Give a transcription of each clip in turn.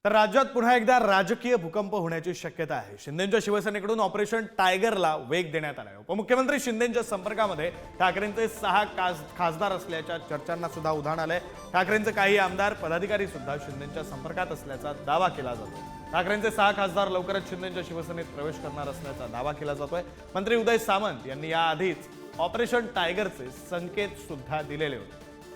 तर राज्यात पुन्हा एकदा राजकीय भूकंप होण्याची शक्यता आहे। शिंदेंच्या शिवसेनेकडून ऑपरेशन टायगरला वेग देण्यात आला आहे। उपमुख्यमंत्री शिंदेंच्या संपर्कामध्ये ठाकरेंचे 6 खासदार असल्याच्या चर्चांना सुद्धा उधाण आलंय। ठाकरेंचे काही आमदार पदाधिकारी सुद्धा शिंदेंच्या संपर्कात असल्याचा दावा केला जातो। ठाकरेंचे 6 खासदार लवकरच शिंदेंच्या शिवसेनेत प्रवेश करणार असल्याचा दावा केला जातोय। मंत्री उदय सामंत यांनी याआधीच ऑपरेशन टायगरचे संकेत सुद्धा दिलेले होते।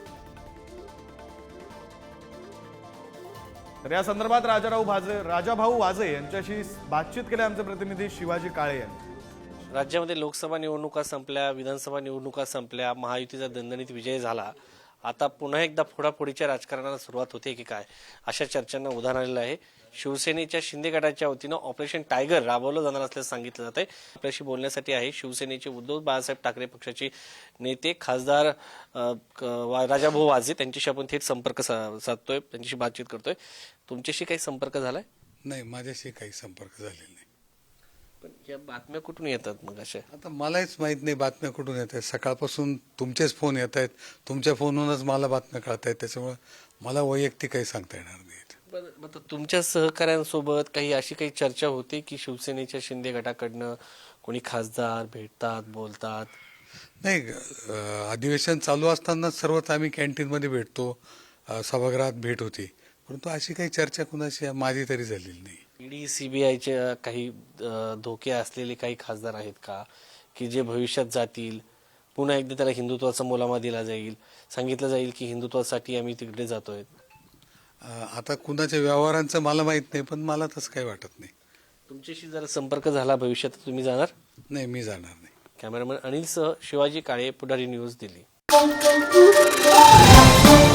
तर या संदर्भात राजाभाऊ वाजे यांच्याशी बातचीत केली आमचे प्रतिनिधी शिवाजी काळे यांनी। राज्यामध्ये लोकसभा निवडणुका संपल्या, विधानसभा निवडणुका संपल्या, महायुतीचा दणदणीत विजय झाला। आता पुन्हा एकदा फोडाफोडीच्या राजकारणाला सुरुवात होते की काय अशा चर्चांना उधाण आलेलं आहे। शिवसेनेच्या शिंदे गटाच्या वतीनं ऑपरेशन टायगर राबवलं जाणार असल्याचं सांगितलं जातंय। आपल्याशी बोलण्यासाठी आहे शिवसेनेचे उद्धव बाळासाहेब ठाकरे पक्षाचे नेते खासदार राजाभाऊ वाजे, त्यांच्याशी आपण थेट संपर्क साधतोय, त्यांच्याशी बातचीत करतोय। तुमच्याशी काही संपर्क झालाय? नाही, माझ्याशी काही संपर्क झालेला नाही। पण या बातम्या कुठून येतात मग अशा? आता मलाच माहित नाही बातम्या कुठून येत आहेत। सकाळपासून तुमचेच फोन येत आहेत, तुमच्या फोनवरूनच मला बातम्या कळत आहेत, त्याच्यामुळे मला वैयक्तिक काही सांगता येणार नाही। पण तुमच्या सहकाऱ्यांसोबत काही अशी काही चर्चा होती की शिवसेनेच्या शिंदे गटाकडनं कोणी खासदार भेटतात, बोलतात? नाही, अधिवेशन चालू असताना सर्वच आम्ही कॅन्टीनमध्ये भेटतो, सभागृहात भेट होती, परंतु अशी काही चर्चा कुणाशी माझी तरी झालेली नाही। ईडी सीबीआयचे काही धोके असलेले काही खासदार आहेत का की जे भविष्यात जातील, पुन्हा एकदा त्याला हिंदुत्वाचा मुलामा दिला जाईल, सांगितलं जाईल की हिंदुत्वासाठी आम्ही तिकडे जातोय? आता कुणाच्या व्यवहारांचं मला माहित नाही, पण मला तसं काही वाटत नाही। तुमच्याशी जर संपर्क झाला भविष्यात तुम्ही जाणार? नाही, मी जाणार नाही। कॅमेरामॅन अनिलसह शिवाजी काळे, पुढारी न्यूज, दिल्ली।